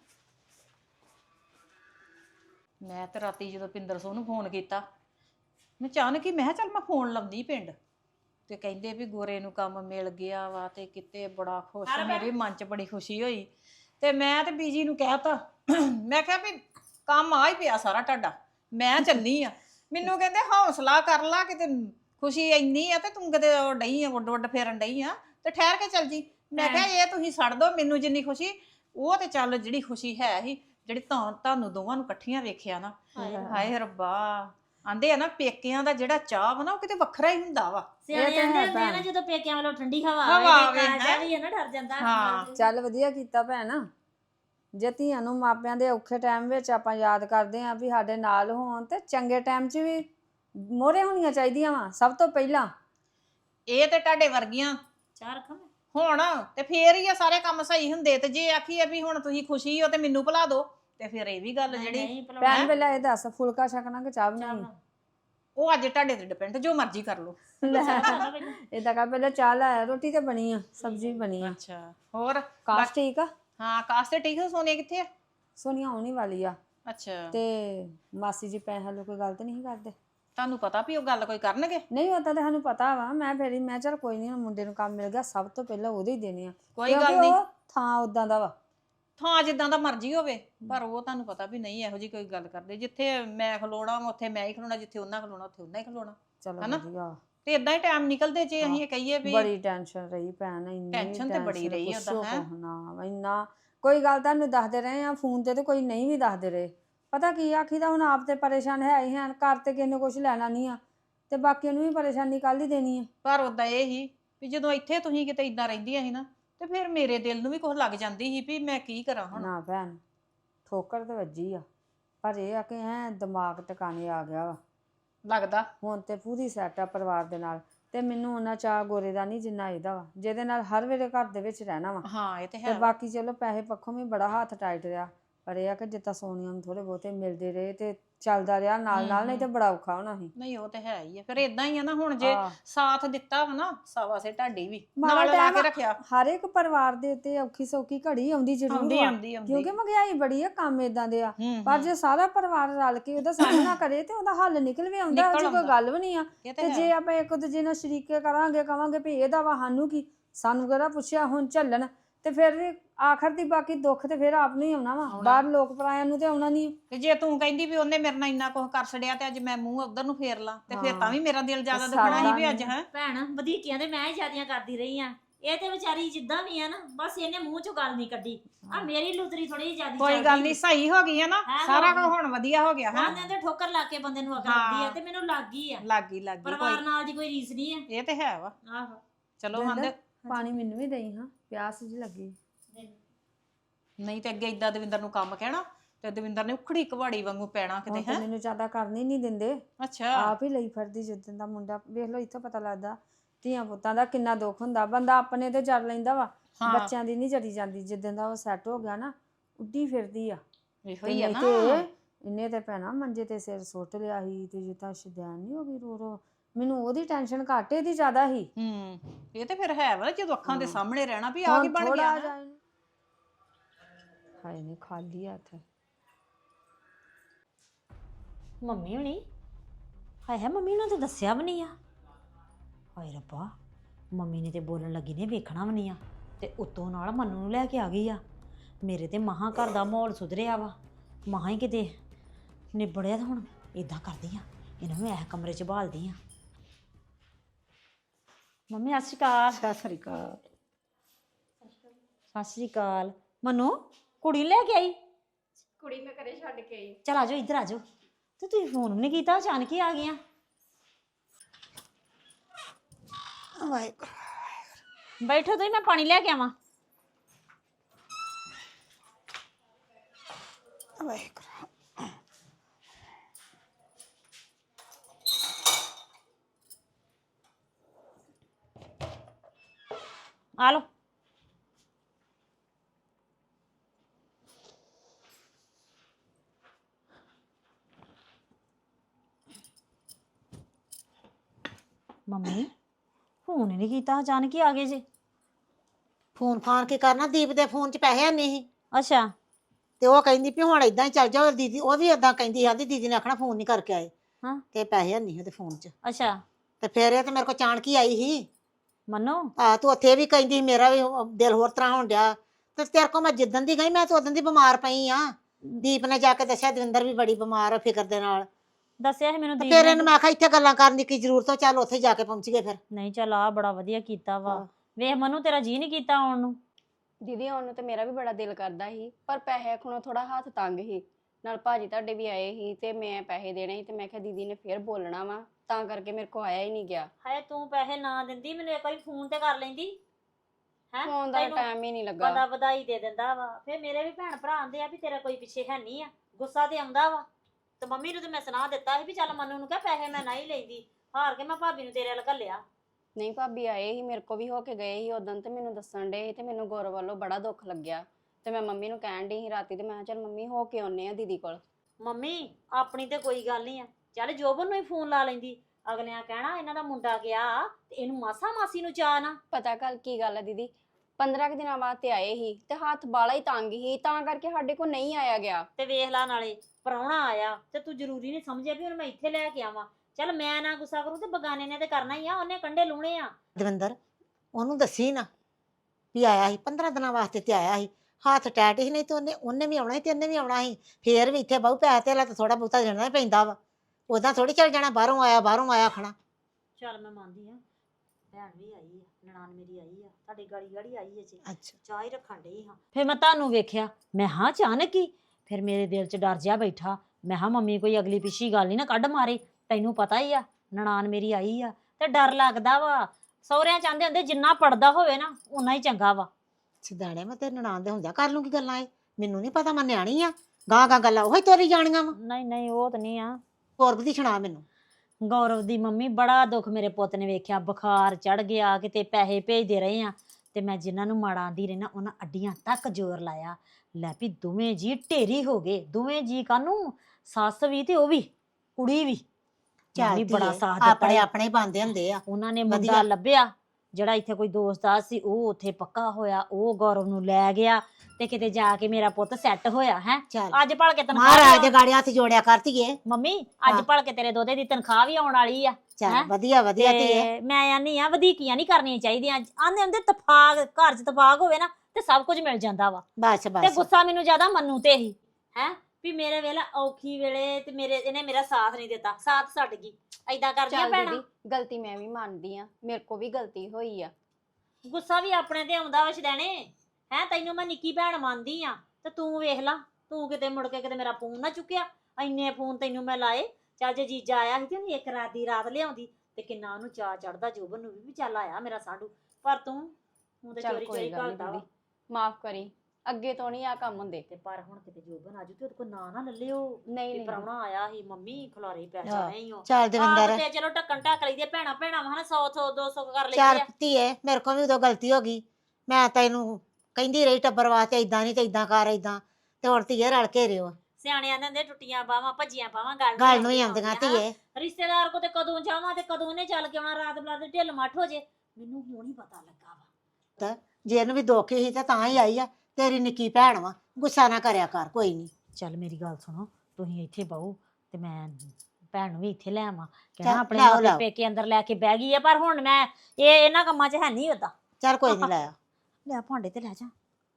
S2: ਮੈਂ ਤੇ ਰਾਤੀ ਜਦੋਂ ਪਿੰਦਰ ਸੋਹ ਨੂੰ ਫੋਨ ਕੀਤਾ ਮੈਂ ਅਚਾਨਕ ਹੀ ਮੈਂ ਕਿਹਾ ਚੱਲ ਮੈਂ ਫੋਨ ਲਾਉਂਦੀ ਪਿੰਡ ਤੇ ਕਹਿੰਦੇ ਵੀ ਗੋਰੇ ਨੂੰ ਕੰਮ ਮਿਲ ਗਿਆ ਵਾ ਤੇ ਕਿਤੇ ਬੜਾ ਖੁਸ਼। ਮੇਰੇ ਮਨ 'ਚ ਬੜੀ ਖੁਸ਼ੀ ਹੋਈ ਤੇ ਮੈਂ ਤੇ ਬੀਜੀ ਨੂੰ ਕਹਿਤਾ ਮੈਂ ਕਿਹਾ ਵੀ ਕੰਮ ਆ ਹੀ ਪਿਆ ਸਾਰਾ ਤੁਹਾਡਾ ਮੈਂ ਚੱਲੀ ਆ। ਮੈਨੂੰ ਕਹਿੰਦੇ ਹੌਸਲਾ ਕਰ ਲਾ ਕਿਤੇ ਖੁਸ਼ੀ ਇੰਨੀ ਆ ਤੇ ਤੂੰ ਕਿਤੇ ਉਹ ਡਈ ਆ ਉੱਡ ਉੱਡ ਫੇਰਨ ਡਈ ਆ ਤੇ ਠਹਿਰ ਕੇ ਚੱਲ ਜੀ। ਮੈਂ ਕਿਹਾ ਇਹ ਤੁਸੀਂ ਛੱਡ ਦੋ ਮੈਨੂੰ ਜਿੰਨੀ ਖੁਸ਼ੀ ਉਹ ਤੇ ਚੱਲ ਜਿਹੜੀ ਖੁਸ਼ੀ ਹੈ ਹੀ ਜਿਹੜੀ ਤਾਂ ਤੁਹਾਨੂੰ ਦੋਵਾਂ ਨੂੰ ਇਕੱਠੀਆਂ ਵੇਖਿਆ ਨਾ। ਹਾਏ ਰੱਬਾ ਆਂਦੇ ਆ ਨਾ ਪੇਕਿਆਂ ਦਾ ਜਿਹੜਾ ਚਾਹ ਵਾ ਨਾ ਉਹ ਕਿਤੇ ਵੱਖਰਾ ਹੀ ਹੁੰਦਾ ਵਾ।
S3: ਸਿਆਣੇ ਆਂਦੇ ਹੁੰਦੇ ਆ ਨਾ ਜਦੋਂ ਪੇਕਿਆਂ ਵੱਲੋਂ ਠੰਡੀ ਹਵਾ
S2: ਹਵਾ
S3: ਆਵੇ
S2: ਆਵੇ,
S3: ਤੇ ਕਾਜਾ ਵੀ ਆ ਨਾ ਡਰ ਜਾਂਦਾ।
S2: ਹਾਂ
S4: ਚੱਲ ਵਧੀਆ ਕੀਤਾ ਭੈਣ। ਜੇ ਧੀਆਂ ਨੂੰ ਮਾਪਿਆਂ ਦੇ ਔਖੇ ਟਾਈਮ ਵਿੱਚ ਆਪਾਂ ਯਾਦ ਕਰਦੇ ਆਂ ਵੀ ਸਾਡੇ ਨਾਲ ਹੋਣ ਤੇ ਚੰਗੇ ਟਾਈਮ 'ਚ ਵੀ ਮੋਹਰੇ ਹੋਣੀਆਂ ਚਾਹੀਦੀਆਂ ਵਾ ਸਭ ਤੋਂ ਪਹਿਲਾਂ।
S2: ਇਹ ਤੇ ਤੁਹਾਡੇ ਵਰਗੀਆਂ
S3: ਚਾਹ ਰੱਖਾਂ ਮੈਂ?
S2: ਹੁਣ ਤੇ ਫੇਰ ਹੀ ਆ ਸਾਰੇ ਕੰਮ ਸਹੀ ਹੁੰਦੇ। ਤੇ ਜੇ ਆਖੀਏ ਵੀ ਹੁਣ ਤੁਸੀਂ ਖੁਸ਼ੀ ਹੋ ਤੇ ਮੈਨੂੰ ਭੁਲਾ ਦੋ ਤੇ ਫਿਰ ਇਹ ਵੀ ਗੱਲ ਜਿਹੜੀ
S3: ਨਹੀਂ ਭਲਾ
S4: ਭੈਣ ਪਹਿਲਾਂ ਇਹ ਦੱਸ ਫੁਲਕਾ ਛਕਣਾ ਕਿ ਚਾਹ ਬਣਾਉਣੀ?
S2: ਉਹ ਅੱਜ ਤੁਹਾਡੇ ਤੇ ਡਿਪੈਂਡ ਜੋ ਮਰਜ਼ੀ ਕਰ ਲਓ।
S4: ਏਦਾਂ ਕਰ ਪਹਿਲਾਂ ਚਾਹ ਲਾਇਆ ਰੋਟੀ ਤੇ ਬਣੀ ਆ ਸਬਜ਼ੀ ਵੀ ਬਣੀ ਆ।
S2: ਅੱਛਾ ਹੋਰ
S4: ਕਾਸ਼ ਠੀਕ ਆ?
S2: ਹਾਂ ਕਾਸ਼ ਤੇ ਠੀਕ ਹੈ। ਸੋਨੀਆ ਕਿੱਥੇ ਆ?
S4: ਸੋਨੀਆ ਆਉਣੀ ਵਾਲੀ ਆ
S2: ਅੱਛਾ
S4: ਤੇ ਮਾਸੀ ਜੀ ਪੈਸੇ ਵੱਲੋਂ ਕੋਈ ਗਲਤ ਨਹੀਂ ਕਰਦੇ।
S2: ਤੁਹਾਨੂੰ ਪਤਾ ਵੀ ਉਹ ਗੱਲ ਕੋਈ ਕਰਨਗੇ?
S4: ਨਹੀਂ ਉਹ ਤਾਂ ਸਾਨੂੰ ਪਤਾ ਵਾ। ਮੈਂ ਫਿਰ ਹੀ ਮੈਂ ਚੱਲ ਕੋਈ ਨਹੀਂ ਮੁੰਡੇ ਨੂੰ ਕੰਮ ਮਿਲ ਗਿਆ ਸਭ ਤੋਂ ਪਹਿਲਾਂ ਉਹਦੇ ਹੀ ਦੇਣੇ ਆ।
S2: ਕੋਈ ਗੱਲ
S4: ਕਿਉਂਕਿ
S2: ਨਹੀਂ।
S4: ਉਹ ਥਾਂ ਉਦਾਂ ਦਾ ਵਾ।
S2: ਥਾਂ ਜਿੱਦਾਂ ਦਾ ਮਰਜ਼ੀ ਹੋਵੇ ਪਰ ਉਹ ਤੁਹਾਨੂੰ ਪਤਾ ਵੀ ਨਹੀਂ ਇਹੋ ਜੀ ਕੋਈ ਗੱਲ ਕਰਦੇ। ਜਿੱਥੇ ਮੈਂ ਖਲੋਣਾ ਉੱਥੇ ਮੈਂ ਹੀ ਖਲੋਣਾ, ਜਿੱਥੇ ਉਹਨਾਂ ਖਲੋਣਾ ਉੱਥੇ ਉਹਨਾਂ ਹੀ ਖਲੋਣਾ।
S4: ਚਲੋ
S2: ਹਨਾ?
S4: ਵਧੀਆ।
S2: ਤੇ ਇਦਾਂ ਹੀ ਟਾਈਮ ਨਿਕਲਦੇ ਜੇ ਅਸੀਂ ਇਹ ਕਹੀਏ ਵੀ
S4: ਬੜੀ ਟੈਨਸ਼ਨ ਰਹੀ ਭੈਣ। ਇੰਨੀ
S2: ਟੈਨਸ਼ਨ ਤੇ ਬੜੀ ਰਹੀ
S4: ਪੁੱਛੋ
S2: ਓਦਾਂ, ਹੈਂ?
S4: ਕੁਛ ਨਾ ਇੰਨਾ ਕੋਈ ਗੱਲ ਤੁਹਾਨੂੰ ਦੱਸਦੇ ਰਹੇ ਆ ਫੋਨ ਤੇ ਤੇ ਕੋਈ ਨਹੀਂ ਵੀ ਦੱਸਦੇ ਰਹੇ। ਪਤਾ ਕੀ ਆਖੀਦਾ ਹੁਣ ਆਪ ਤੇ ਪਰੇਸ਼ਾਨ ਹੈ ਹੀ ਹਨ। ਘਰ ਤੇ ਕਿਸੇ ਨੇ ਕੁਝ ਲੈਣਾ ਨਹੀਂ ਆ ਤੇ ਬਾਕੀਆਂ ਨੂੰ ਵੀ ਪਰੇਸ਼ਾਨੀ ਕੱਲ ਹੀ ਦੇਣੀ ਆ।
S2: ਪਰ ਉਦਾਂ ਇਹ ਹੀ ਵੀ ਜਦੋਂ ਇੱਥੇ ਤੁਸੀਂ ਕਿਤੇ ਇਦਾਂ ਰਹਿੰਦੀਆਂ ਸੀ ਨਾ ਤੇ ਫਿਰ ਮੇਰੇ ਦਿਲ ਨੂੰ ਵੀ ਕੁਝ ਲੱਗ ਜਾਂਦੀ ਸੀ ਵੀ ਮੈਂ ਕੀ ਕਰਾਂ ਹੁਣ।
S4: ਨਾ ਭੈਣ ਠੋਕਰ ਤੇ ਵੱਜੀ ਆ ਪਰ ਇਹ ਆ ਕਿ ਐ ਦਿਮਾਗ ਟਿਕਾਣੇ ਆ ਗਿਆ ਵਾ।
S2: ਲੱਗਦਾ
S4: ਹੁਣ ਤੇ ਪੂਰੀ ਸੈਟ ਆ ਪਰਿਵਾਰ ਦੇ ਨਾਲ ਤੇ ਮੈਨੂੰ ਉਹਨਾਂ ਚਾਹ ਗੋਰੇ ਦਾ ਨਹੀਂ ਜਿੰਨਾ ਇਹਦਾ ਵਾ ਜਿਹਦੇ ਨਾਲ ਹਰ ਵੇਲੇ ਘਰ ਦੇ ਵਿੱਚ ਰਹਿਣਾ ਵਾ।
S2: ਹਾਂ ਇਹ ਤੇ
S4: ਤੇ
S2: ਹੈ।
S4: ਬਾਕੀ ਚਲੋ ਪੈਸੇ ਪੱਖੋਂ ਵੀ ਬੜਾ ਹੱਥ ਟਾਈਟ ਰਿਹਾ ਪਰ ਇਹ ਆ ਕਿ ਜਿੱਦਾਂ ਸੋਨੀਆ ਨੂੰ ਥੋੜੇ ਬਹੁਤੇ ਮਿਲਦੇ ਰਹੇ ਤੇ ਚੱਲਦਾ ਰਿਹਾ ਨਾਲ ਨਾਲ, ਨਹੀਂ ਤੇ ਬੜਾ ਔਖਾ ਹੋਣਾ ਸੀ।
S2: ਨਹੀਂ ਉਹ ਤੇ ਹੈ ਹੀ ਆ, ਫਿਰ ਇਦਾਂ ਹੀ ਆ ਨਾ, ਹੁਣ ਜੇ
S4: ਆਹ।
S2: ਸਾਥ ਦਿੱਤਾ ਵਾ ਨਾ ਸਾਵਾ ਸੇ ਢਾਡੀ ਵੀ
S4: ਮਾੜਾ
S2: ਨਾਲ ਲਾ
S4: ਟਾਈਮ
S2: ਕੇ ਰੱਖਿਆ।
S4: ਹਰ ਇੱਕ ਪਰਿਵਾਰ ਦੇ ਉੱਤੇ ਔਖੀ ਸੌਖੀ ਘੜੀ ਆਉਂਦੀ ਜ਼ਰੂਰ
S2: ਆਉਂਦੀ
S4: ਆ,
S2: ਆਉਂਦੀ ਆਉਂਦੀ
S4: ਕਿਉਂਕਿ ਮਹਿੰਗਾਈ ਬੜੀ ਆ, ਕੰਮ ਇਦਾਂ ਦੇ ਆ।
S2: ਹੂੰ,
S4: ਪਰ ਜੇ ਸਾਰਾ ਪਰਿਵਾਰ ਰਲ ਕੇ ਉਹਦਾ ਸਾਹਮਣਾ ਕਰੇ ਤੇ ਉਹਦਾ ਹੱਲ ਨਿਕਲ ਵੀ ਆਉਂਦਾ,
S2: ਨਿਕਲ
S4: ਜੇ ਕੋਈ
S2: ਆਉਂਦਾ।
S4: ਗੱਲ ਵੀ ਨਹੀਂ ਆ।
S2: ਇਹ ਤੇ
S4: ਤੇ
S2: ਹੈ।
S4: ਜੇ ਆਪਾਂ ਇੱਕ ਦੂਜੇ ਨਾਲ ਸ਼ਰੀਕੇ ਕਰਾਂਗੇ, ਕਵਾਂਗੇ ਵੀ ਇਹਦਾ ਵਾ ਸਾਨੂੰ ਕੀ, ਸਾਨੂੰ ਕਿਹੜਾ ਪੁੱਛਿਆ, ਹੁਣ ਝੱਲਣ, ਤੇ ਫਿਰ ਵੀ ਆਖਰ ਦੀ ਬਾਕੀ ਦੁੱਖ ਤੇ ਫਿਰ ਆਪ ਨੂੰ ਹੀ ਆਉਣਾ ਵਾ, ਬਾਹਰ ਲੋਕ ਪਰਾਇਆਂ ਨੂੰ ਤੇ ਆਉਣਾ ਨਹੀਂ।
S2: ਤੇ ਜੇ ਤੂੰ ਕਹਿੰਦੀ ਵੀ ਉਹਨੇ ਮੇਰੇ ਨਾਲ ਇੰਨਾ ਕੁਝ ਕਰ ਛੜਿਆ ਤੇ ਅੱਜ ਮੈਂ ਮੂੰਹ ਉਧਰ ਨੂੰ ਫੇਰ ਲਾਂ, ਤੇ ਫਿਰ ਤਾਂ ਵੀ ਮੇਰਾ ਦਿਲ ਜ਼ਿਆਦਾ ਦੁਖਣਾ ਸੀ ਵੀ ਅੱਜ ਹੈ
S3: ਭੈਣ ਵਧੀਕੀਆਂ ਤੇ ਮੈਂ ਹੀ ਜਿਆਦੀਆਂ ਕਰਦੀ ਰਹੀ ਆ, ਇਹ ਤੇ ਵਿਚਾਰੀ ਜਿੱਦਾਂ ਵੀ ਆ ਨਾ, ਬਸ ਇਹਨੇ ਮੂੰਹ ਚੋਂ ਗੱਲ ਨਹੀਂ ਕੱਢੀ। ਆ ਮੇਰੀ ਲੁਤਰੀ ਥੋੜੀ ਜਿਆਦੀ
S2: ਕੋਈ ਗੱਲ ਨਹੀਂ, ਸਹੀ ਹੋ ਗਈ ਹੈ ਨਾ,
S3: ਹਾਂ,
S2: ਸਾਰਾ
S3: ਹੋ
S2: ਕੁਝ ਹੁਣ ਵਧੀਆ ਹੋ ਗਿਆ ਹੈ।
S3: ਹਾਂ ਤੇ ਠੋਕਰ ਲਾ ਕੇ ਬੰਦੇ ਨੂੰ ਅਕਲ ਆਉਂਦੀ ਆ, ਤੇ ਮੈਨੂੰ ਲੱਗ ਗਈ ਆ।
S2: ਲੱਗੀ ਲੱਗੀ
S3: ਪਰਿਵਾਰ ਨਾਲ ਦੀ ਕੋਈ ਰੀਸ ਨਹੀਂ ਆ।
S2: ਇਹ ਤੇ ਹੈ ਵਾ।
S3: ਆਹੋ
S2: ਚਲੋ ਹਾਂ,
S4: ਪਾਣੀ ਮੈਨੂੰ ਵੀ ਦੇਈ ਹਾਂ, ਪਿਆਸ ਜੀ ਲੱਗੀ।
S2: ਨਹੀਂ ਤੇ ਅੱਗੇ ਇਦਾਂ ਦਵਿੰਦਰ ਨੂੰ ਕੰਮ ਕਹਿਣਾ ਤੇ ਦਵਿੰਦਰ ਨੇ ਉਖੜੀ ਕਵਾੜੀ ਵਾਂਗੂ ਪੈਣਾ ਕਿਤੇ ਹੈ।
S4: ਮੈਨੂੰ ਜ਼ਿਆਦਾ ਕਰਨੀ ਨਹੀਂ ਦਿੰਦੇ,
S2: ਅੱਛਾ
S4: ਆਪ ਹੀ ਲਈ ਫਿਰਦੀ। ਜਿੱਦਣ ਦਾ ਮੁੰਡਾ ਵੇਖ ਲਓ, ਇੱਥੋਂ ਪਤਾ ਲੱਗਦਾ ਧੀਆਂ ਪੁੱਤਾਂ ਦਾ ਕਿੰਨਾ ਦੁੱਖ ਹੁੰਦਾ। ਬੰਦਾ ਆਪਣੇ ਤੇ ਜਰ ਲੈਂਦਾ ਵਾ, ਬੱਚਿਆਂ ਦੀ ਨਹੀਂ ਜਰੀ ਜਾਂਦੀ। ਜਿੱਦਣ ਦਾ ਉਹ ਸੈੱਟ ਹੋ ਗਿਆ ਨਾ, ਉੱਡੀ ਫਿਰਦੀ ਆ।
S2: ਇਹੋ ਹੀ ਆ ਨਾ,
S4: ਇਹਨੇ ਤੇ ਭੈਣਾ ਮੰਜੇ ਤੇ ਸਿਰ ਸੁੱਟ ਲਿਆ ਸੀ, ਤੇ ਜਿੱਦਾਂ ਸ਼ੁਦੈਣ ਨਹੀਂ ਹੋ ਗਈ ਰੋ ਰੋ। ਮੈਨੂੰ ਉਹਦੀ ਟੈਨਸ਼ਨ ਘੱਟ, ਇਹਦੀ ਜ਼ਿਆਦਾ ਸੀ।
S2: ਹੂੰ ਇਹ ਤੇ ਫਿਰ ਹੈ ਵਾ, ਜਦੋਂ ਅੱਖਾਂ ਦੇ ਸਾਹਮਣੇ ਰਹਿਣਾ ਵੀ ਆ ਕੀ ਬਣ ਗਿਆ।
S4: ਹਾਏ ਨੇ ਖਾਲੀ ਹੱਥ।
S3: ਮੰਮੀ ਹੁਣੀ ਹਾਏ ਹੈ, ਮੰਮੀ ਨੂੰ ਤਾਂ ਦੱਸਿਆ ਵੀ ਨਹੀਂ ਆ। ਹਾਏ ਰੱਬਾ, ਮੰਮੀ ਨੇ ਤੇ ਬੋਲਣ ਲੱਗੀ ਨੇ ਵੇਖਣਾ ਵੀ ਨਹੀਂ ਆ, ਤੇ ਉੱਤੋਂ ਨਾਲ ਮੰਨੂ ਨੂੰ ਲੈ ਕੇ ਆ ਗਈ ਆ। ਮੇਰੇ ਤੇ ਮਹਾਂ ਘਰ ਦਾ ਮਾਹੌਲ ਸੁਧਰਿਆ ਵਾ, ਮਹਾਂ ਹੀ ਕਿਤੇ ਨਿਬੜਿਆ। ਤਾਂ ਹੁਣ ਇਦਾਂ ਕਰਦੀ ਆ, ਇਹਨਾਂ ਨੂੰ ਇਹ ਕਮਰੇ 'ਚ ਬਾਲਦੀ ਆ। ਮੰਮੀ ਸਤਿ ਸ਼੍ਰੀ ਅਕਾਲ।
S5: ਸਤਿ ਸ੍ਰੀ ਅਕਾਲ।
S3: ਸਤਿ ਸ਼੍ਰੀ ਅਕਾਲ। ਮਨੂ ਕੁੜੀ ਲੈ ਕੇ ਆਈ?
S5: ਕੁੜੀ ਮੈਂ ਘਰੇ ਛੱਡ ਕੇ ਆਈ।
S3: ਚਲ ਆ ਜਾਓ, ਇੱਧਰ ਆ ਜਾਓ। ਤੇ ਤੁਸੀਂ ਫੋਨ ਵੀ ਨਹੀਂ ਕੀਤਾ, ਅਚਾਨਕ ਹੀ ਆ ਗਈਆਂ।
S5: ਵਾਹਿਗੁਰੂ
S3: ਬੈਠੋ ਤੁਸੀਂ, ਮੈਂ ਪਾਣੀ ਲੈ ਕੇ ਆਵਾਂ।
S5: ਵਾਹਿਗੁਰੂ।
S3: ਆ ਲਓ। ਮੰਮੀ ਫੋਨ ਹੀ ਨਹੀਂ ਕੀਤਾ, ਅਚਾਨਕ ਹੀ ਆ ਗਏ ਜੇ।
S6: ਫੋਨ ਫਾਨ ਕੀ ਕਰਨਾ, ਦੀਪ ਦੇ ਫੋਨ 'ਚ ਪੈਸੇ ਨਹੀਂ ਸੀ
S3: ਅੱਛਾ।
S6: ਤੇ ਉਹ ਕਹਿੰਦੀ ਵੀ ਹੁਣ ਇਦਾਂ ਹੀ ਚੱਲ ਜਾਓ। ਦੀਦੀ ਉਹ ਵੀ ਏਦਾਂ ਕਹਿੰਦੀ, ਆਂਦੀ ਦੀਦੀ ਨੇ ਆਖਣਾ ਫੋਨ ਨਹੀਂ ਕਰਕੇ ਆਏ,
S3: ਹਾਂ
S6: ਤੇ ਪੈਸੇ ਨਹੀਂ ਉਹਦੇ ਫੋਨ 'ਚ।
S3: ਅੱਛਾ।
S6: ਤੇ ਫਿਰ ਇਹ ਤੇ ਮੇਰੇ ਕੋਲ ਚਾਣਕੀ ਆਈ ਸੀ।
S3: ਮੰਨੋ
S6: ਆ ਤੂੰ ਉੱਥੇ ਵੀ ਕਹਿੰਦੀ ਮੇਰਾ ਵੀ ਦਿਲ ਹੋਰ ਤਰ੍ਹਾਂ ਹੋਣ ਡਿਆ, ਤੇ ਤੇਰੇ ਕੋਲ ਮੈਂ ਜਿੱਦਣ ਦੀ ਗਈ, ਮੈਂ ਤਾਂ ਉਦੋਂ ਦੀ ਬਿਮਾਰ ਪਈ ਆ। ਦੀਪ ਨੇ ਜਾ ਕੇ ਦੱਸਿਆ ਦਵਿੰਦਰ ਵੀ ਬੜੀ ਬਿਮਾਰ ਆ ਫਿਕਰ ਦੇ ਨਾਲ।
S3: ਦੱਸਿਆ ਸੀ ਮੈਨੂੰ ਦੀਦੀ
S6: ਫਿਰ
S3: ਨੇ।
S6: ਇਹਨੂੰ ਮੈਂ ਆਖਿਆ ਇੱਥੇ ਗੱਲਾਂ ਕਰਨ ਦੀ ਕੀ ਜ਼ਰੂਰਤ ਆ, ਚੱਲ ਉੱਥੇ ਜਾ ਕੇ ਪਹੁੰਚ ਗਏ। ਫਿਰ
S3: ਨਹੀਂ ਚੱਲ ਆ ਬੜਾ ਵਧੀਆ ਕੀਤਾ ਵਾ। ਵੇਖ ਮਨੂ ਤੇਰਾ ਜੀ ਨਹੀਂ ਕੀਤਾ ਆਉਣ ਨੂੰ।
S7: ਦੀਦੀ ਆਉਣ ਨੂੰ ਤੇ ਮੇਰਾ ਵੀ ਬੜਾ ਦਿਲ ਕਰਦਾ ਸੀ, ਪਰ ਪੈਸੇ ਖੁਣੋਂ ਥੋੜਾ ਹੱਥ ਤੰਗ ਸੀ। ਨਾਲ ਭਾਜੀ ਤੁਹਾਡੇ ਵੀ ਆਏ ਸੀ ਤੇ ਮੈਂ ਪੈਸੇ ਦੇਣੇ ਸੀ, ਤੇ ਮੈਂ ਕਿਹਾ ਦੀਦੀ ਨੇ ਫੇਰ ਬੋਲਣਾ ਵਾ, ਤਾਂ ਕਰਕੇ ਮੇਰੇ ਕੋ ਆਇਆ ਹੀ ਨਹੀਂ ਗਿਆ।
S3: ਹਾਏ ਤੂੰ ਪੈਸੇ ਨਾ ਦਿੰਦੀ, ਮੈਨੂੰ ਇੱਕ ਵਾਰੀ ਫੋਨ ਤੇ ਕਰ ਲੈਂਦੀ ਹੈ।
S7: ਫੋਨ ਦਾ ਟਾਈਮ ਹੀ ਨਹੀਂ ਲੱਗਾ।
S3: ਪਤਾ ਵਧਾਈ ਦੇ ਦਿੰਦਾ ਵਾ। ਫਿਰ ਮੇਰੇ ਵੀ ਭੈਣ ਭਰਾ ਆਂਦੇ ਆ ਵੀ ਤੇਰਾ ਕੋਈ ਪਿੱਛੇ ਹੈ ਨਹੀਂ ਆ, ਗੁੱਸਾ ਤੇ ਆਉਂਦਾ ਵਾ। ਤੇ ਮੰਮੀ ਨੂੰ ਤੇ ਮੈਂ ਸੁਣਾ ਦਿੱਤਾ ਸੀ ਵੀ ਚੱਲ ਮਨੂ ਨੂੰ ਕਹਿ ਪੈਸੇ ਮੈਂ ਨਹੀਂ ਲੈਂਦੀ, ਹਾਰ ਕੇ ਮੈਂ ਭਾਬੀ ਨੂੰ ਤੇਰੇ ਵੱਲ ਘੱਲਿਆ।
S7: ਨਹੀਂ ਭਾਬੀ ਆਏ ਸੀ, ਮੇਰੇ ਕੋ ਵੀ ਹੋ ਕੇ ਗਏ ਸੀ ਉਦੋਂ, ਤੇ ਮੈਨੂੰ ਦੱਸਣ ਡੇ ਸੀ, ਤੇ ਮੈਨੂੰ ਗੌਰਵ ਵੱਲੋਂ ਬੜਾ ਦੁੱਖ ਲੱਗਿਆ। ਤੇ ਮੈਂ ਮੰਮੀ ਨੂੰ ਕਹਿਣ ਡਈ ਸੀ ਰਾਤੀ, ਤੇ ਮੈਂ ਕਿਹਾ ਚੱਲ ਮੰਮੀ ਹੋ ਕੇ ਆਉਨੇ ਆ ਦੀਦੀ ਕੋਲ।
S3: ਮੰਮੀ ਆਪਣੀ ਤੇ ਕੋਈ ਗੱਲ ਨਹੀਂ ਆ, ਚੱਲ ਜੋਬਨ ਨੂੰ ਹੀ ਫੋਨ ਲਾ ਲੈਂਦੀ। ਅਗਲਿਆਂ ਕਹਿਣਾ ਇਹਨਾਂ ਦਾ ਮੁੰਡਾ ਗਿਆ ਤੇ ਇਹਨੂੰ ਮਾਸਾ ਮਾਸੀ ਨੂੰ ਚਾਹ ਨਾ।
S7: ਪਤਾ ਕੱਲ ਕੀ ਗੱਲ ਹੈ ਦੀਦੀ, ਪੰਦਰਾਂ ਕੁ ਦਿਨਾਂ ਬਾਅਦ ਤੇ ਆਏ ਸੀ, ਤੇ ਹੱਥ ਬਾਲਾ ਹੀ ਤੰਗ ਸੀ, ਤਾਂ ਕਰਕੇ ਸਾਡੇ ਕੋਲ ਨਹੀਂ ਆਇਆ ਗਿਆ।
S3: ਤੇ ਵੇਖ ਲਾ ਨਾਲੇ ਪ੍ਰਾਹੁਣਾ ਆਇਆ ਤੇ ਤੂੰ ਜ਼ਰੂਰੀ ਨਹੀਂ ਸਮਝਿਆ ਵੀ ਹੁਣ ਮੈਂ ਇੱਥੇ ਲੈ ਕੇ ਆਵਾਂ। ਚੱਲ ਮੈਂ ਨਾ ਗੁੱਸਾ ਕਰੂੰ ਤੇ ਬਗਾਨੇ ਨੇ ਤੇ ਕਰਨਾ ਹੀ ਆ, ਉਹਨੇ ਕੰਡੇ ਲੂਣੇ ਆ।
S6: ਦਵਿੰਦਰ ਉਹਨੂੰ ਦੱਸੀ ਨਾ ਵੀ ਆਇਆ ਸੀ, ਪੰਦਰਾਂ ਦਿਨਾਂ ਵਾਸਤੇ ਤੇ ਆਇਆ ਸੀ। ਹੱਥ ਟੈਟ ਸੀ, ਨਹੀਂ ਤੇ ਉਹਨੇ ਉਹਨੇ ਵੀ ਆਉਣਾ ਸੀ ਤੇ ਇਹਨੇ ਵੀ ਆਉਣਾ ਸੀ। ਫੇਰ ਵੀ ਇੱਥੇ ਬਹੁ ਪੈਸੇ ਤੇ ਲਾ ਤੇ ਥੋੜਾ ਬਹੁਤਾ ਦੇਣਾ ਹੀ ਪੈਂਦਾ ਵਾ। ਉਦਾਂ ਥੋੜੀ ਚੱਲ ਜਾਣਾ, ਬਾਹਰੋਂ ਆਇਆ ਬਾਹਰੋਂ ਆਇਆ ਆਖਣਾ।
S3: ਚੱਲ ਮੈਂ ਮੰਨਦੀ ਆ, ਭੈਣ ਵੀ ਆਈ ਆ, ਨਨਾਣ ਮੇਰੀ ਆਈ ਆ, ਤੁਹਾਡੀ ਗਾੜੀ ਗਾੜੀ ਆਈ ਅਜੇ,
S6: ਅੱਛਾ
S3: ਚਾਹ ਹੀ ਰੱਖਣ ਡਈ ਹਾਂ। ਫਿਰ ਮੈਂ ਤੁਹਾਨੂੰ ਵੇਖਿਆ, ਮੈਂ ਹਾਂ ਅਚਾਨਕ ਹੀ ਫਿਰ ਮੇਰੇ ਦਿਲ 'ਚ ਡਰ ਜਿਹਾ ਬੈਠਾ। ਮੈਂ ਹਾਂ ਮੰਮੀ ਕੋਈ ਅਗਲੀ ਪਿੱਛੀ ਗੱਲ ਨਹੀਂ ਨਾ ਕੱਢ ਮਾਰੇ। ਤੈਨੂੰ ਪਤਾ ਹੀ ਆ ਨਨਾਣ ਮੇਰੀ ਆਈ ਆ ਤੇ ਡਰ ਲੱਗਦਾ ਵਾ। ਸਹੁਰਿਆਂ ਚਾਹੁੰਦੇ ਹੁੰਦੇ ਜਿੰਨਾ ਪੜਦਾ ਹੋਵੇ ਨਾ ਉਨਾ ਹੀ ਚੰਗਾ ਵਾ।
S6: ਸਿਧਾਣੇ ਮੈਂ ਤੇਰੇ ਨਨਾਣ ਦੇ ਹੁੰਦਿਆਂ ਕਰ ਲੂੰਗੀ ਗੱਲਾਂ। ਇਹ ਮੈਨੂੰ ਨਹੀਂ ਪਤਾ, ਮੈਂ ਨਿਆਣੀ ਆ। ਗਾਂ ਗਾਂ ਗੱਲਾਂ ਉਹੀ ਤੋਰੀ ਜਾਣੀਆਂ ਵਾ।
S3: ਨਹੀਂ ਨਹੀਂ ਉਹ ਤਾਂ ਨਹੀਂ ਆ।
S6: ਗੌਰਵ ਦੀ ਸੁਣਾ ਮੈਨੂੰ।
S3: ਗੌਰਵ ਦੀ ਮੰਮੀ ਬੜਾ ਦੁੱਖ ਮੇਰੇ ਪੁੱਤ ਨੇ ਵੇਖਿਆ, ਬੁਖਾਰ ਚੜ ਗਿਆ, ਕਿਤੇ ਪੈਸੇ ਭੇਜਦੇ ਰਹੇ ਆ ਤੇ ਮੈਂ ਜਿਨ੍ਹਾਂ ਨੂੰ ਮਾੜਾ ਆਂਦੀ ਰਹਿਣਾ ਉਹਨਾਂ ਅੱਡੀਆਂ ਤੱਕ ਜ਼ੋਰ ਲਾਇਆ। ਲੈ ਵੀ ਦੋਵੇਂ ਜੀ ਢੇਰੀ ਹੋ ਗਏ, ਦੋਵੇਂ ਜੀ ਕਾਹਨੂੰ, ਸੱਸ ਵੀ ਤੇ ਉਹ ਵੀ, ਕੁੜੀ ਵੀ।
S6: ਚੱਲ
S3: ਮੰਮੀ ਬੜਾ
S6: ਧੀਏ,
S3: ਸਾਥ ਦਿੱਤਾ
S6: ਆਪਣੇ
S3: ਈ।
S6: ਆਪਣੇ ਹੀ ਬਣਦੇ ਹੁੰਦੇ ਆ।
S3: ਉਹਨਾਂ ਨੇ
S6: ਵਧੀਆ।
S3: ਮੁੰਡਾ ਲੱਭਿਆ ਜਿਹੜਾ ਇੱਥੇ ਕੋਈ ਦੋਸਤ ਆ ਸੀ, ਉਹ ਉੱਥੇ ਪੱਕਾ ਹੋਇਆ, ਉਹ ਗੌਰਵ ਨੂੰ ਲੈ ਗਿਆ ਤੇ ਕਿਤੇ ਜਾ ਕੇ ਮੇਰਾ ਪੁੱਤ ਸੈੱਟ ਹੋਇਆ ਹੈ।
S6: ਚੱਲ
S3: ਅੱਜ ਭਲ ਕੇ ਤਨਖਾਹ
S6: ਮਹਾਰਾਜ
S3: ਵੀ
S6: ਦੇ
S3: ਆਉਣ-
S6: ਗਾੜੀ ਹੱਥ ਜੋੜਿਆ ਕਰਤੀਏ।
S3: ਮੰਮੀ ਅੱਜ
S6: ਹਾਂ।
S3: ਭਲ ਕੇ ਤੇਰੇ ਦੋਤੇ ਦੀ ਤਨਖਾਹ ਵੀ ਆਉਣ ਵਾਲੀ ਆ।
S6: ਚੱਲ
S3: ਹੈਂ?
S6: ਵਧੀਆ ਵਧੀਆ ਧੀਏ।
S3: ਤੇ ਮੈਂ ਆਨੀ ਆ ਵਧੀਕੀਆਂ ਨਹੀਂ ਕਰਨੀਆਂ ਚਾਹੀਦੀਆਂ। ਆਂਦੇ ਹੁੰਦੇ ਤਫਾਕ, ਘਰ 'ਚ ਤਫਾਕ ਹੋਵੇ ਨਾ ਤੇ ਸਭ ਕੁਝ ਮਿਲ ਜਾਂਦਾ ਵਾ।
S6: ਬਸ
S3: ਤੇ
S6: ਬਸ
S3: ਗੁੱਸਾ ਮੈਨੂੰ ਜ਼ਿਆਦਾ ਮੰਨੂ ਤੇ ਹੀ ਹੈ ਵੀ ਮੇਰੇ ਵੇਲੇ ਔਖੀ ਵੇਲੇ ਤੇ ਮੇਰੇ ਇਹਨੇ ਮੇਰਾ ਸਾਥ ਨਹੀਂ ਦਿੱਤਾ, ਸਾਥ ਛੱਡ ਗਈ। ਐਦਾਂ ਕਰਦੀਆਂ
S7: ਚੱਲ
S3: ਭੈਣਾਂ।
S7: ਦੀਦੀ ਗਲਤੀ ਮੈਂ ਵੀ ਮੰਨਦੀ ਆ, ਮੇਰੇ ਕੋ ਵੀ ਗਲਤੀ ਹੋਈ ਆ।
S3: ਗੁੱਸਾ ਵੀ ਆਪਣੇ ਤੇ ਆਉਂਦਾ ਵਾ ਛਦੈਣੇ ਹੈ। ਤੈਨੂੰ ਮੈਂ ਨਿੱਕੀ ਭੈਣ ਮੰਨਦੀ ਆ ਤੇ ਤੂੰ ਵੇਖ ਲਾ, ਤੂੰ ਕਿਤੇ ਮੁੜ ਕੇ ਕਿਤੇ ਮੇਰਾ ਫੋਨ ਨਾ ਚੁੱਕਿਆ। ਇੰਨੇ ਫੋਨ ਤੈਨੂੰ ਮੈਂ ਲਾਏ। ਚੱਲ ਜੇ ਜੀਜਾ ਆਇਆ ਸੀ ਤੇ ਉਹਨੇ ਇੱਕ ਰਾਤ ਦੀ ਰਾਤ ਲਿਆਉਂਦੀ ਤੇ ਕਿੰਨਾ ਉਹਨੂੰ ਚਾਅ ਚੜਦਾ ਜੋਬਨ ਨੂੰ ਵੀ ਵੀ ਚੱਲ ਆਇਆ ਮੇਰਾ ਸਾਡੂ। ਪਰ ਤੂੰ ਹੁਣ ਤੇ
S7: ਚੱਲ
S3: ਚੋਰੀ
S7: ਕੋਈ
S3: ਚੋਰੀ
S7: ਗੱਲ ਨੀ
S3: ਘਲਦਾ ਵਾ।
S7: ਦੀਦੀ, ਮਾਫ ਕਰੀ, ਅੱਗੇ ਤੋਂ ਨਹੀਂ ਆ ਕੰਮ ਹੁੰਦੇ।
S3: ਤੇ ਪਰ ਹੁਣ ਕਿਤੇ ਜੋਬਨ ਆਜੂ ਤੇ ਉਹਦੇ ਕੋਲ ਨਾਂ ਨਾ ਲੱਲਿਓ
S7: ਨਹੀਂ
S3: ਵੀ
S7: ਨਹੀਂ
S3: ਪ੍ਰਾਹੁਣਾ ਆਇਆ ਸੀ, ਮੰਮੀ ਖਲਾਰੇ ਪੈ
S6: ਹਾਂ।
S3: ਜਾਣੇ ਹੀ ਹੋ।
S6: ਚੱਲ ਦਵਿੰਦਰ,
S3: ਆਪ ਤੇ ਚਲੋ ਢੱਕਣ ਢੱਕ ਲਈਦੇ, ਭੈਣਾ ਭੈਣਾ ਵਾ ਹਨਾ, ਸੌ ਸੌ ਦੋ ਸੌ ਕਰ
S6: ਚੱਲ
S3: ਲਈਦੇ ਆ।
S6: ਧੀਏ, ਮੇਰੇ ਕੋਲ ਵੀ ਉਦੋਂ ਗਲਤੀ ਹੋ ਗਈ। ਮੈਂ ਤੈਨੂੰ ਕਹਿੰਦੀ ਰਹੀ ਟੱਬਰ ਵਾਸਤੇ ਇਦਾਂ ਨਹੀਂ ਤੇ ਇਦਾਂ ਕਰ ਇਦਾਂ, ਤੇ ਹੁਣ ਧੀਏ ਰਲ ਕੇ ਰਿਓ।
S3: ਸਿਆਣੇ ਆਂਦੇ ਹੁੰਦੇ ਟੁੱਟੀਆਂ ਬਾਹਾਂ ਭੱਜੀਆਂ ਬਾਹਾਂ ਗੱਲ
S6: ਗੱਲ ਨੂੰ ਹੀ ਆਉਂਦੀਆਂ ਧੀਏ।
S3: ਰਿਸ਼ਤੇਦਾਰ ਕੋ ਤੇ ਕਦੋਂ ਜਾਵਾਂ ਤੇ ਕਦੋਂ ਉਹਨੇ ਚੱਲ ਕੇ ਆਉਣਾ, ਰਾਤ ਬਲਾਦੇ ਢਿੱਲ ਮੱਠ ਹੋ ਜੇ। ਮੈਨੂੰ ਹੁਣ ਹੀ ਪਤਾ ਲੱਗਾ ਵਾ।
S6: ਜੇ ਇਹਨੂੰ ਵੀ ਦੁੱਖ ਸੀ ਤੇ ਤਾਂ ਹੀ ਆਈ ਆ। ਤੇਰੀ ਨਿੱਕੀ ਭੈਣ ਵਾ, ਗੁੱਸਾ ਨਾ ਕਰਿਆ ਕਰ, ਕੋਈ ਨਹੀਂ।
S3: ਚੱਲ ਮੇਰੀ ਗੱਲ ਸੁਣੋ, ਤੁਸੀਂ ਇੱਥੇ ਬਹੋ ਤੇ ਮੈਂ ਭੈਣ ਨੂੰ ਵੀ ਇੱਥੇ ਲੈ ਆਵਾਂ।
S6: ਚੱਲ,
S3: ਕਹਿੰਦਾ ਆਪਣੇ
S6: ਲਿਆਓ,
S3: ਮਾਪੇ
S6: ਲਿਆਓ।
S3: ਪੇਕੇ ਅੰਦਰ ਲੈ ਕੇ ਬਹਿ ਗਈ ਆ, ਪਰ ਹੁਣ ਮੈਂ ਇਹ ਇਹਨਾਂ ਕੰਮਾਂ 'ਚ ਹੈ ਨਹੀਂ ਓਦਾਂ।
S6: ਚੱਲ ਕੋਈ ਨਹੀਂ ਲਾਇਆ।
S3: ਲੈ ਭਾਂਡੇ ਤੇ ਲੈ ਜਾ।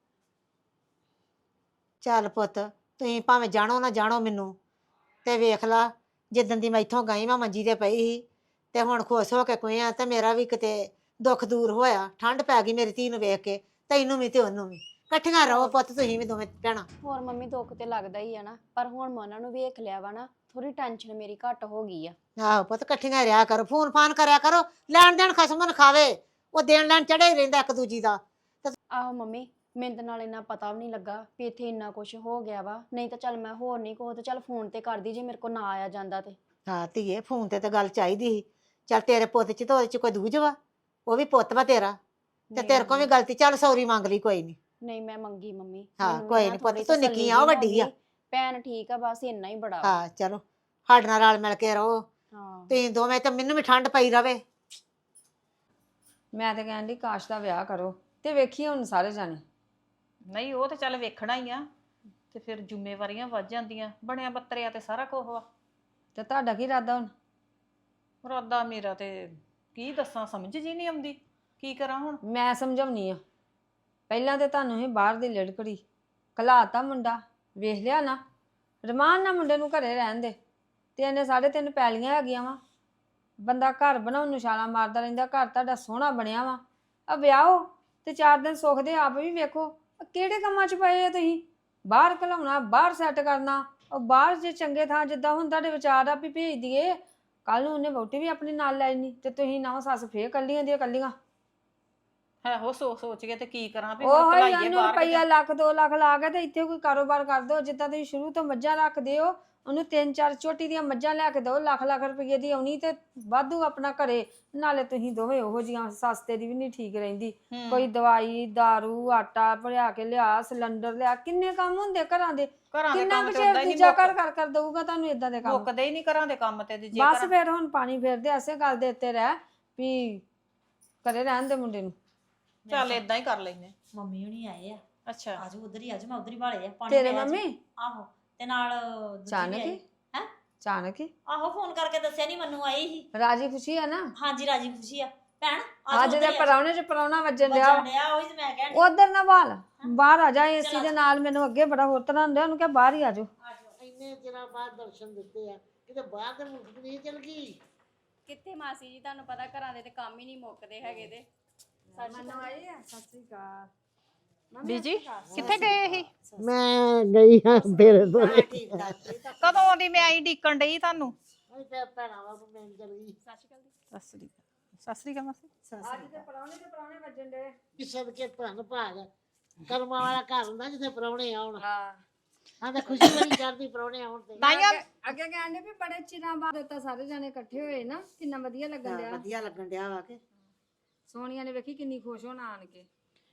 S6: ਚੱਲ ਪੁੱਤ, ਤੁਸੀਂ ਭਾਵੇਂ ਜਾਣੋ ਨਾ ਜਾਣੋ ਮੈਨੂੰ, ਤੇ ਵੇਖ ਲਾ ਜਿੱਦਣ ਦੀ ਮੈਂ ਇੱਥੋਂ ਗਈ ਮੈਂ ਮੰਜੀ ਤੇ ਪਈ ਸੀ ਤੇ ਹੁਣ ਖੁਸ਼ ਹੋ ਕੇ ਕੋਈ ਆ ਤੇ ਮੇਰਾ ਵੀ ਕਿਤੇ ਦੁੱਖ ਦੂਰ ਹੋਇਆ। ਠੰਡ ਪੈ ਗਈ ਮੇਰੀ ਧੀ ਨੂੰ ਵੇਖ ਕੇ, ਤੈਨੂੰ ਵੀ ਤੇ ਉਹਨੂੰ ਵੀ। ਇਕੱਠੀਆਂ ਰਹੋ ਪੁੱਤ, ਤੁਸੀਂ ਵੀ ਦੋਵੇਂ ਭੈਣਾਂ।
S7: ਹੋਰ ਮੰਮੀ ਦੁੱਖ ਤੇ ਲੱਗਦਾ ਹੀ ਆ ਨਾ, ਪਰ ਹੁਣ ਮੈਂ ਉਹਨਾਂ ਨੂੰ ਵੇਖ ਲਿਆ ਵਾ ਨਾ, ਥੋੜੀ ਟੈਨਸ਼ਨ ਮੇਰੀ ਘੱਟ ਹੋ ਗਈ ਆ।
S6: ਆਹੋ ਪੁੱਤ, ਇਕੱਠੀਆਂ ਰਿਹਾ ਕਰੋ, ਫੋਨ ਫਾਨ ਕਰਿਆ ਕਰੋ। ਲੈਣ ਦੇਣ ਖਸਮ ਨੂੰ ਖਾਵੇ, ਉਹ ਦੇਣ ਲੈਣ ਚੜਿਆ ਹੀ ਰਹਿੰਦਾ ਇੱਕ ਦੂਜੀ ਦਾ।
S7: ਆਹੋ ਮੰਮੀ, ਮੈਨੂੰ ਤਾਂ ਨਾਲ ਇੰਨਾ ਪਤਾ ਵੀ ਨਹੀਂ ਲੱਗਾ ਵੀ ਇੱਥੇ ਇੰਨਾ ਕੁਝ ਹੋ ਗਿਆ ਵਾ। ਨਹੀਂ ਤਾਂ ਚੱਲ ਮੈਂ ਹੋਰ ਨਹੀਂ ਕੋ ਤੇ ਚੱਲ ਫੋਨ ਤੇ ਕਰਦੀ ਜੇ ਮੇਰੇ ਕੋ ਨਾ ਆਇਆ ਜਾਂਦਾ ਤੇ।
S6: ਹਾਂ ਧੀਏ, ਫੋਨ ਤੇ ਤਾਂ ਗੱਲ ਚਾਹੀਦੀ ਸੀ। ਚੱਲ ਤੇਰੇ ਪੁੱਤ ਚ ਤਾਂ ਉਹਦੇ ਚ ਕੋਈ ਦੂਜ ਵਾ, ਉਹ ਵੀ ਪੁੱਤ ਵਾ ਤੇਰਾ, ਤੇ
S7: ਨਹੀਂ
S6: ਤੇਰੇ ਕੋਲ ਵੀ
S7: ਮੰਮੀ,
S6: ਗਲਤੀ। ਚੱਲ ਸੌਰੀ ਮੰਗ ਲਈ, ਕੋਈ ਨਹੀਂ।
S7: ਨਹੀਂ ਮੈਂ ਮੰਗੀ ਮੰਮੀ।
S6: ਹਾਂ,
S7: ਮੈਨੂੰ
S6: ਕੋਈ
S7: ਨਾ
S6: ਨੀ ਪੁੱਤ,
S7: ਥੋੜ੍ਹੀ
S6: ਤੂੰ
S7: ਤਸੱਲੀ
S6: ਨਿੱਕੀ ਆ, ਉਹ
S7: ਜਿਹੀ
S6: ਵੱਡੀ
S7: ਹੋ
S6: ਆ।
S7: ਗਈ। ਭੈਣ ਠੀਕ ਆ, ਬਸ ਇੰਨਾ ਹੀ ਬੜਾ ਵਾ।
S6: ਹਾਂ ਚਲੋ, ਸਾਡੇ ਨਾਲ ਰਲ ਮਿਲ ਕੇ ਰਹੋ
S7: ਹਾਂ
S6: ਤੁਸੀਂ ਦੋਵੇਂ, ਤੇ ਮੈਨੂੰ ਵੀ ਠੰਡ ਪਈ ਰਵੇ।
S4: ਮੈਂ ਤਾਂ ਕਹਿੰਦੀ ਕਾਸ਼ ਦਾ ਵਿਆਹ ਕਰੋ ਤੇ ਵੇਖੀ ਹੁਣ ਸਾਰੇ ਜਾਣੇ।
S2: ਨਹੀਂ ਉਹ ਤੇ ਚੱਲ ਵੇਖਣਾ ਹੀ ਆ, ਤੇ ਫਿਰ ਜ਼ਿੰਮੇਵਾਰੀਆਂ ਵੱਧ ਜਾਂਦੀਆਂ। ਬਣਿਆ ਬੱਤਰਿਆ ਤੇ ਸਾਰਾ ਕੁਝ ਵਾ।
S4: ਤੇ ਤੁਹਾਡਾ ਕੀ ਇਰਾਦਾ ਹੁਣ?
S2: ਇਰਾਦਾ ਮੇਰਾ ਤੇ ਕੀ ਦੱਸਾਂ, ਸਮਝ ਜੀ ਨਹੀਂ ਆਉਂਦੀ ਕੀ ਕਰਾਂ ਹੁਣ।
S4: ਮੈਂ ਸਮਝਾਉਣੀ ਆ। ਪਹਿਲਾਂ ਤੇ ਤੁਹਾਨੂੰ ਹੀ ਬਾਹਰ ਦੀ ਲੜਕੜੀ ਘਲਾਤਾ, ਮੁੰਡਾ ਵੇਖ ਲਿਆ ਨਾ, ਰਮਾਨ ਨਾਲ ਮੁੰਡੇ ਨੂੰ ਘਰੇ ਰਹਿਣ ਦੇ। ਤੇ ਇਹਨੇ ਸਾਢੇ ਤਿੰਨ ਪੈਲੀਆਂ ਹੈਗੀਆਂ ਵਾ, ਬੰਦਾ ਘਰ ਬਣਾਉਣ ਨੂੰ ਛਾਲਾਂ ਮਾਰਦਾ ਰਹਿੰਦਾ। ਘਰ ਤੁਹਾਡਾ ਸੋਹਣਾ ਬਣਿਆ ਵਾ, ਆ ਵਿਆਹੋ ਤੇ ਚਾਰ ਦਿਨ ਸੁੱਖ ਦੇ ਆਪ ਵੀ ਵੇਖੋ। ਆਹ ਕਿਹੜੇ ਕੰਮਾਂ 'ਚ ਪਏ ਆ ਤੁਸੀਂ? ਬਾਹਰ ਘਲਾਉਣਾ, ਬਾਹਰ ਸੈੱਟ ਕਰਨਾ। ਉਹ ਬਾਹਰ ਜੇ ਚੰਗੇ ਥਾਂ ਜਿੱਦਾਂ ਹੁਣ ਤੁਹਾਡੇ ਵਿਚਾਰ ਆ ਵੀ ਭੇਜ ਦਈਏ, ਕੱਲ ਨੂੰ ਉਹਨੇ ਵਹੁਟੀ ਵੀ ਆਪਣੀ ਨਾਲ ਲੈ ਜਾਣੀ ਤੇ ਤੁਸੀਂ ਨਾ ਸੱਸ ਫੇਰ ਕੱਲੀਆਂ ਦੀਆਂ ਕੱਲੀਆਂ।
S2: ਹੈ ਉਹ ਸੋਚ ਸੋਚ ਕੇ ਤੇ ਕੀ ਕਰਾਂ ਵੀ
S4: ਉਹ
S2: ਹੁਣ
S4: ਹੀ
S2: ਭਲਾਈਏ
S4: ਉਹਨੂੰ
S2: ਬਾਹਰ
S4: ਰੁਪਈਆ ਲੱਖ ਦੋ ਲੱਖ ਲਾ ਕੇ ਤੇ ਇੱਥੇ ਕੋਈ ਕਾਰੋਬਾਰ ਕਰ ਦੋ। ਜਿੱਦਾਂ ਤੁਸੀਂ ਸ਼ੁਰੂ ਤੋਂ ਮੱਝਾਂ ਰੱਖਦੇ ਹੋ, ਉਹਨੂੰ ਤਿੰਨ ਚਾਰ ਝੋਟੀ ਦੀਆਂ ਮੱਝਾਂ ਲੈ ਕੇ ਦਿਓ, ਲੱਖ ਲੱਖ ਰੁਪਈਏ ਦੀ ਆਉਣੀ ਤੇ ਵਾਧੂ ਆਪਣਾ ਘਰੇ। ਨਾਲੇ ਤੁਸੀਂ ਦੋਵੇਂ ਉਹੋ ਜੀਆਂ, ਸਸਤੇ ਦੀ ਵੀ ਨਹੀਂ ਠੀਕ ਰਹਿੰਦੀ। ਕੋਈ ਦਵਾਈ ਦਾਰੂ ਆਟਾ ਭਰਿਆ ਕੇ ਲਿਆ, ਸਿਲੰਡਰ ਲਿਆ, ਕਿੰਨੇ ਕੰਮ ਹੁੰਦੇ ਘਰਾਂ ਦੇ।
S2: ਘਰਾਂ ਦੇ
S4: ਕਿੰਨਾ
S2: ਕੰਮ
S4: ਕੁ
S2: ਤੇ
S4: ਚਿਰ
S2: ਹੁੰਦਾ ਹੀ
S4: ਦੂਜਾ
S2: ਨਹੀਂ,
S4: ਕਰ ਕਰ ਕਰ ਦਊਗਾ ਤੁਹਾਨੂੰ ਇਦਾਂ ਦੇ ਕੰਮ?
S2: ਮੁੱਕਦੇ ਹੀ ਨਹੀਂ ਘਰਾਂ ਦੇ ਕੰਮ ਤੇ। ਜੇ
S4: ਬਸ
S2: ਘਰਾਂ-
S4: ਫਿਰ ਹੁਣ ਪਾਣੀ ਫੇਰਦੇ ਐਸੇ ਗੱਲ ਦੇ ਉੱਤੇ ਰਹਿ ਵੀ ਘਰੇ ਰਹਿਣ ਦੇ ਮੁੰਡੇ ਨੂੰ।
S2: ਚੱਲ ਇਦਾਂ ਹੀ ਕਰ ਲੈਨੇ।
S3: ਮੰਮੀ ਹੁਣੀ ਆਏ ਆ।
S2: ਅੱਛਾ,
S3: ਆਜੋ ਉਧਰ ਹੀ ਆਜੋ, ਮੈਂ ਉਧਰ ਹੀ ਭਾਲੇ ਆ ਪਾਣੀ
S4: ਤੇਰੇ
S3: ਪਿਆ ਜੀ।
S4: ਮੰਮੀ
S3: ਆਹੋ, ਤੇ ਨਾਲ ਦੂਜੀ ਵੀ
S4: ਅਚਾਨਕ
S3: ਆਈ।
S4: ਹੀ
S3: ਹੈਂ?
S4: ਅਚਾਨਕ ਹੀ
S3: ਆਹੋ ਫੋਨ ਕਰਕੇ ਦੱਸਿਆ ਨਹੀਂ, ਮੈਨੂੰ ਆਈ ਸੀ।
S4: ਰਾਜੀ ਖੁਸ਼ੀ ਆ ਨਾ?
S3: ਹਾਂਜੀ ਰਾਜੀ ਖੁਸ਼ੀ ਆ ਭੈਣ।
S4: ਅੱਜ ਦੇ ਪਰੌਣੇ ਚ ਪਰੌਣਾ ਵੱਜਣ ਡਿਆ ਵਾ।
S3: ਡਿਆ ਉਹੀ ਤੇ ਮੈਂ ਕਹਿਣ ਡਈ।
S4: ਉਧਰ ਨਾ ਵਾਲ ਬਾਹਰ ਆ ਜਾ, ਏਸੀ ਦੇ ਨਾਲ ਮੈਨੂੰ ਅੱਗੇ ਬੜਾ ਹੋਰ ਤਰ੍ਹਾਂ ਹੁੰਦਾ। ਉਹਨੂੰ ਕਿਹਾ ਬਾਹਰ ਹੀ ਆ ਜਾਓ।
S6: ਇੰਨੇ ਚਿਰਾਂ ਬਾਅਦ ਦਰਸ਼ਨ ਦਿੱਤੇ ਆ, ਕਿਤੇ ਬਾਹਰ ਦੇ ਮੁਲਕ ਨਹੀਂ ਚਲ ਗਈ।
S7: ਕਿੱਥੇ ਮਾਸੀ ਜੀ, ਤੁਹਾਨੂੰ ਪਤਾ ਘਰਾਂ ਦੇ ਤੇ ਕੰਮ ਹੀ ਨਹੀਂ ਮੁੱਕਦੇ ਹੈਗੇ ਤੇ।
S4: ਮੈਨੂੰ ਆਈ ਆ, ਸਤਿ ਸ੍ਰੀ ਅਕਾਲ।
S2: ਬੀਜੀ ਕਿੱਥੇ ਗਏ ਸੀ?
S6: ਮੈਂ ਗਈ ਹਾਂ ਤੇਰੇ ਤੋਂ। ਠੀਕ ਠਾਕ
S2: ਕਦੋਂ ਦੀ ਮੈਂ ਆਈ ਡੀਕਣ ਡਈ ਤੁਹਾਨੂੰ।
S6: ਤੇ ਭੈਣਾਂ ਵਾ ਮੈਂ ਚਲ ਗਈ।
S2: ਸਤਿ ਸ੍ਰੀ ਅਕਾਲ। ਸਤਿ ਸ੍ਰੀ ਅਕਾਲ ਮਾਸੀ।
S4: ਅੱਜ ਦੇ ਪਰੌਣੇ ਤੇ ਪਰੌਣੇ ਵੱਜਣ ਡੇ।
S6: ਕਿਸੇ ਦੇ ਧੰਨ ਭਾਗ ਕਰਮਾਂ ਵਾਲਾ ਘਰ ਹੁੰਦਾ ਜਿੱਥੇ ਪ੍ਰਾਹੁਣੇ ਆਉਣ।
S4: ਹਾਂ,
S6: ਹਾਂ ਤੇ ਖੁਸ਼ੀ ਬੜੀ ਚੜ੍ਹਦੀ ਪ੍ਰਾਹੁਣੇ ਆਉਣ ਤੇ।
S2: ਤਾਈਆਂ
S4: ਅੱਗੇ ਕਹਿੰਦੇ ਵੀ ਬੜੇ ਚਿਰਾਂ ਬਾਅਦ ਤਾਂ ਸਾਰੇ ਜਾਣੇ ਇਕੱਠੇ ਹੋਏ ਨਾ, ਕਿੰਨਾ ਵਧੀਆ ਲੱਗਣ ਡਿਆ।
S6: ਵਧੀਆ ਲੱਗਣ ਡਿਆ ਵਾ ਕੇ।
S4: ਸੋਨੀਆ ਨੇ ਵੇਖੀ ਕਿੰਨੀ ਖੁਸ਼ ਹੋਣਾ ਆਣ ਕੇ।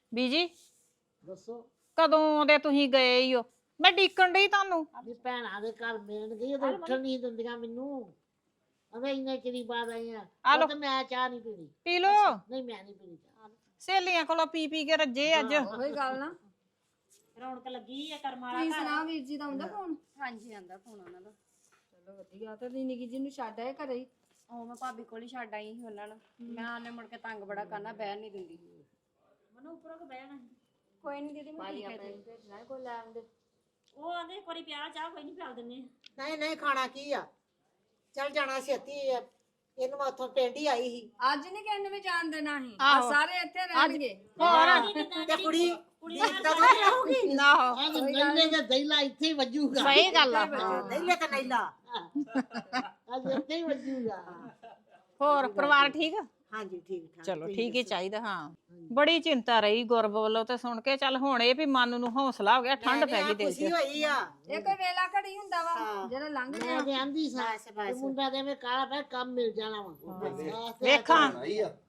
S2: ਬੀਜੀ
S6: ਦੱਸੋ
S2: ਕਦੋਂ ਦੇ ਤੁਸੀਂ ਗਏ ਹੀ ਹੋ? ਮੈਂ ਡੀਕਣ ਡਈ ਤੁਹਾਨੂੰ।
S6: ਵੀ ਭੈਣਾਂ ਦੇ ਘਰ ਮਿਲਣ ਗਈ ਉਹ ਉੱਠਣ ਨਹੀਂ ਦਿੰਦੀਆਂ ਮੈਨੂੰ। ਅਵੇ ਇੰਨੇ ਚਿਰ ਬਾਅਦ ਆਈ ਆ
S2: ਆ ਲਓ।
S6: ਉਹ ਤੇ ਮੈਂ ਚਾਹ ਨਹੀਂ ਪੀਣੀ।
S2: ਪੀ ਲੋ।
S6: ਨਹੀਂ ਮੈਂ ਨਹੀਂ ਪੀਣੀ ਚਾਹ।
S2: ਸਹੇਲੀਆਂ ਕੋਲੋਂ ਪੀ ਪੀ ਕੇ ਰੱਜੇ ਅੱਜ।
S4: ਉਹੀ ਗੱਲ ਨਾ।
S3: ਰੌਣਕ ਲੱਗੀ ਆ ਕਰਮਾਂ
S4: ਤੁਸੀਂ ਸੁਣਾ ਵੀਰ ਜੀ ਦਾ ਹੁੰਦਾ ਫੋਨ?
S7: ਹਾਂਜੀ ਆਂਦਾ ਫੋਨ ਉਹਨਾਂ ਦਾ।
S4: ਚਲੋ ਵਧੀਆ ਤੇ ਨਿੱਕੀ ਜੀ ਨੂੰ ਛੱਡ ਆਏ ਘਰੇ ਹੀ।
S7: ਉਹ ਮੈਂ ਭਾਬੀ ਕੋਲ ਹੀ ਛੱਡ ਆਈ ਸੀ ਉਹਨਾਂ ਨੂੰ। ਮੈਂ ਉਹਨੇ ਮੁੜ ਕੇ ਤੰਗ ਬੜਾ ਕਰਨਾ, ਬਹਿਣ ਨਹੀਂ ਦਿੰਦੀ।
S3: ਮਨੂੰ ਉੱਪਰੋਂ ਕੋ ਬਹਿਣਾ
S7: ਕੋਈ ਨਹੀਂ ਦੀਦੀ ਮੈਂ ਠੀਕ ਹੈ ਜੀ।
S4: ਭੇਜਣਾ ਕੋਈ ਲੈ ਆਉਂਦੇ।
S3: ਉਹ ਆਂਦੇ ਇੱਕ ਵਾਰੀ ਪਿਆ ਚਾਹ ਕੋਈ ਨਹੀਂ ਪਿਆਲ ਦਿੰਨੇ ਆ।
S6: ਨਹੀਂ ਨਹੀਂ ਖਾਣਾ ਕੀ ਆ ਚੱਲ ਜਾਣਾ ਛੇਤੀ ਆ। ਇਹਨੂੰ ਮੈਂ ਉੱਥੋਂ ਪਿੰਡ ਹੀ ਆਈ ਸੀ
S4: ਅੱਜ ਨਹੀਂ ਕਿਸੇ ਨੂੰ ਵੀ ਜਾਣ ਦੇਣਾ ਸੀ।
S2: ਆਹੋ।
S4: ਸਾਰੇ ਇੱਥੇ ਰਹਿਣਗੇ।
S2: ਹੋਰ
S6: ਤੇ ਕੁੜੀ
S3: ਕੁੜੀ
S6: ਤਾਂ ਨਹੀਂ ਆਉਗੀ।
S2: ਨਾ
S6: ਅੱਜ ਨਈਲੇ ਦੇ ਦਈਲਾ ਇੱਥੇ ਹੀ ਵੱਜੂਗਾ।
S2: ਸਹੀ ਗੱਲ ਆ।
S6: ਨਈਲੇ ਤਾਂ ਨਈਲਾ ਅੱਜ ਇੱਥੇ ਹੀ ਵੱਜੂਗਾ।
S2: ਹੋਰ ਪਰਿਵਾਰ ਠੀਕ ਆ?
S6: ਹਾਂਜੀ ਠੀਕ ਠਾਕ।
S2: ਚਲੋ
S6: ਤੁਸੀਂ
S2: ਠੀਕ ਹੀ
S6: ਦੱਸੋ?
S2: ਚਾਹੀਦਾ। ਹਾਂ ਬੜੀ ਚਿੰਤਾ ਰਹੀ ਗੁਰਬ ਵੱਲੋਂ ਤੇ ਸੁਣ ਕੇ ਚੱਲ ਹੁਣ ਇਹ ਵੀ ਮਨ ਨੂੰ ਹੌਸਲਾ ਹੋ ਗਿਆ, ਠੰਡ ਪੈ ਗਈ ਦਿਲ
S6: ਖੁਸ਼ੀ
S2: 'ਚ।
S6: ਹੋਈ ਆ।
S4: ਇਹ ਕੋਈ ਵੇਲਾ ਘੜੀ ਹੁੰਦਾ ਵਾ
S6: ਹਾਂ।
S4: ਜਿਹੜਾ ਲੰਘ
S6: ਮੈਂ
S4: ਗਿਆ।
S6: ਤੇ ਆਂਦੀ ਸਾਂ
S2: ਬਸ,
S6: ਤੇ
S2: ਬਸ।
S6: ਮੁੰਡਾ ਦੇ ਮੈਂ ਕਾਲਾ ਪੈ ਕੰਮ ਮਿਲ ਜਾਣਾ ਵਾ।
S2: ਵੇਖਾਂ
S8: ਆਈ ਆ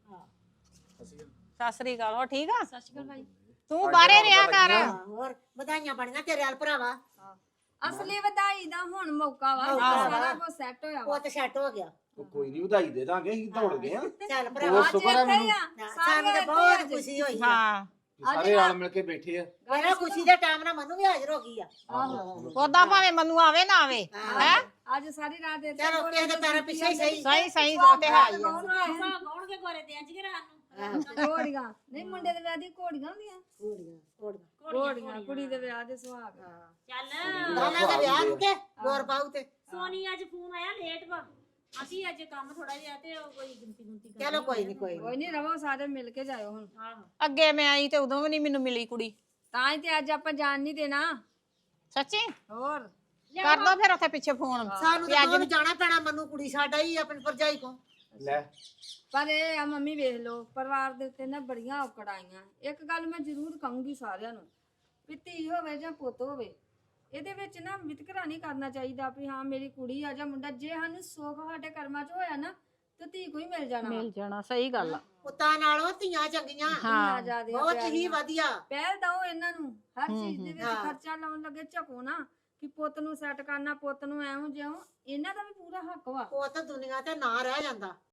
S2: ਸਤਿ ਸ੍ਰੀ ਅਕਾਲ। ਹੋ ਠੀਕ ਆ?
S7: ਸਤਿ ਸ਼੍ਰੀ ਅਕਾਲ ਭਾਈ।
S2: ਤੂੰ ਬਾਹਰੇ ਰਿਹਾ ਕਰ।
S6: ਹਾਂ, ਹੋਰ ਵਧਾਈਆਂ ਬਣੀਆਂ ਤੇਰੇ ਹਾਲ ਭਰਾਵਾ।
S4: ਅਸਲੀ ਵਧਾਈ ਦਾ ਹੁਣ ਮੌਕਾ ਵਾ।
S6: ਮੌਕਾ ਵਾ।
S4: ਸਾਰਾ ਕੁਝ ਸੈੱਟ ਹੋਇਆ ਵਾ।
S6: ਉਹ ਤੇ ਸੈੱਟ ਹੋ ਗਿਆ।
S8: ਉਹ ਕੋਈ ਨਹੀਂ ਵਧਾਈ ਦੇ ਦਾਂਗੇ ਅਸੀਂ ਦੌੜ ਗਏ ਆ
S6: ਚੱਲ ਭਰਾਵਾ
S8: ਬਹੁਤ ਸ਼ੁਕਰ ਆ
S4: ਇੱਥੇ ਹੀ
S8: ਮੈਨੂੰ
S4: ਆ।
S6: ਸਾਨੂੰ ਤੇ ਬਹੁਤ ਖੁਸ਼ੀ ਹੋਈ ਆ।
S2: ਹਾਂ
S8: ਸਾਰੇ ਰਲ ਮਿਲ ਕੇ ਬੈਠੇ ਆ।
S6: ਮੇਰਾ ਖੁਸ਼ੀ ਦੇ ਟਾਈਮ ਨਾਲ ਮਨੂੰ ਵੀ ਹਾਜ਼ਰ ਹੋ ਗਈ ਆ।
S2: ਉਦਾਂ ਭਾਵੇਂ ਮੈਨੂੰ ਆਵੇ ਨਾ ਆਵੇ ਹੈ।
S4: ਅੱਜ ਸਾਰੀ ਰਾਤ ਇੱਥੇ
S6: ਚਲੋ ਕਿਸੇ ਦੇ ਪੈਰਾਂ ਪਿੱਛੇ ਹੀ ਸਹੀ।
S2: ਸਹੀ ਸਹੀ ਉਹ ਤੇ ਹੈ ਹੀ ਆ।
S3: ਗਾਉਣਗੇ ਗੋਰੇ ਤੇ ਅੱਜ ਰਾਤ ਨੂੰ।
S4: ਘੋੜੀਆਂ ਨਹੀਂ ਮੁੰਡੇ ਦੇ ਵਿਆਹ ਦੀ ਘੋੜੀਆਂ ਹੁੰਦੀਆਂ।
S6: ਘੋੜੀਆਂ ਘੋੜੀਆਂ
S4: ਘੋੜੀਆਂ ਕੁੜੀ ਦੇ ਵਿਆਹ ਦੇ ਸੁਹਾਗ।
S3: ਚੱਲ
S6: ਦੋਨਾਂ ਦਾ ਵਿਆਹ ਨੂੰ ਕੇ ਗੌਰ ਪਾਉ ਤੇ
S3: ਸੋਨੀ ਅੱਜ ਫੋਨ ਆਇਆ ਲੇਟ ਵਾ। ਅਸੀਂ ਅੱਜ ਕੰਮ ਥੋੜਾ ਜਿਹਾ ਤੇ ਉਹ ਕੋਈ ਗਿਣਤੀ ਗੁੰਤੀ ਕਰ
S6: ਚਲੋ ਕੋਈ ਨਹੀਂ ਕੋਈ ਨੀ।
S4: ਕੋਈ ਨਹੀਂ ਰਵੋ ਸਾਰੇ ਮਿਲ ਕੇ ਜਾਇਓ ਹੁਣ।
S3: ਆਹੋ
S2: ਅੱਗੇ ਮੈਂ ਆਈ ਤੇ ਉਦੋਂ ਵੀ ਨਹੀਂ ਮੈਨੂੰ ਮਿਲੀ ਕੁੜੀ।
S4: ਤਾਂ ਹੀ ਤੇ ਅੱਜ ਆਪਾਂ ਜਾਣ ਨਹੀਂ ਦੇਣਾ।
S2: ਸੱਚੀ
S4: ਹੋਰ
S2: ਕਰ ਦੋ ਫਿਰ ਉੱਥੇ ਪਿੱਛੇ ਫੋਨ।
S6: ਸਾਨੂੰ ਤਾਂ ਦੋਵੇਂ ਜਾਣਾ ਪੈਣਾ। ਮਨੂੰ ਕੁੜੀ ਸਾਡਾ ਹੀ ਆਪਣੀ ਭਰਜਾਈ ਕੋ।
S8: ਲੈ
S4: ਪਰ ਇਹ ਆ ਮੰਮੀ ਵੇਖ ਲਓ ਪਰਿਵਾਰ ਦੇ ਉੱਤੇ ਨਾ ਬੜੀਆਂ ਔਕੜ ਆਈਆਂ। ਇੱਕ ਗੱਲ ਮੈਂ ਜ਼ਰੂਰ ਕਹੂੰਗੀ ਸਾਰਿਆਂ ਨੂੰ ਵੀ ਧੀ ਹੋਵੇ ਜਾਂ ਪੁੱਤ ਹੋਵੇ ਇਹਦੇ ਵਿੱਚ ਨਾ ਵਿਤਕਰਾ ਨਹੀਂ ਕਰਨਾ ਚਾਹੀਦਾ ਵੀ ਹਾਂ ਮੇਰੀ ਕੁੜੀ ਆ ਜਾਂ ਮੁੰਡਾ। ਜੇ ਸਾਨੂੰ ਸੁੱਖ ਸਾਡੇ ਕਰਮਾਂ 'ਚ ਹੋਇਆ ਨਾ ਤੇ ਧੀ ਕੋਈ ਮਿਲ ਜਾਣਾ ਵਾ।
S2: ਮਿਲ ਜਾਣਾ ਸਹੀ ਗੱਲ ਆ।
S6: ਪੁੱਤਾਂ ਨਾਲੋਂ ਧੀਆਂ ਚੰਗੀਆਂ।
S4: ਧੀਆਂ ਜ਼ਿਆਦੀਆਂ
S6: ਬਹੁਤ ਹੀ
S4: ਪਿਆਰੀਆਂ।
S6: ਵਧੀਆ।
S4: ਪਹਿਲ ਦਓ ਇਹਨਾਂ ਨੂੰ ਹਰ ਚੀਜ਼ ਦੇ ਵਿੱਚ
S6: ਹਾਂ।
S4: ਖਰਚਾ ਲਾਉਣ ਲੱਗੇ ਝਕੋ ਨਾ ਕਿ ਪੁੱਤ ਨੂੰ ਸੈੱਟ ਕਰਨਾ ਪੁੱਤ ਨੂੰ ਐਵੇਂ ਜਿਉਂ। ਇਹਨਾਂ ਦਾ ਵੀ ਪੂਰਾ ਹੱਕ ਵਾ।
S6: ਉਹ ਤਾਂ ਦੁਨੀਆ ਤੇ ਨਾ ਰਹਿ ਜਾਂਦਾ।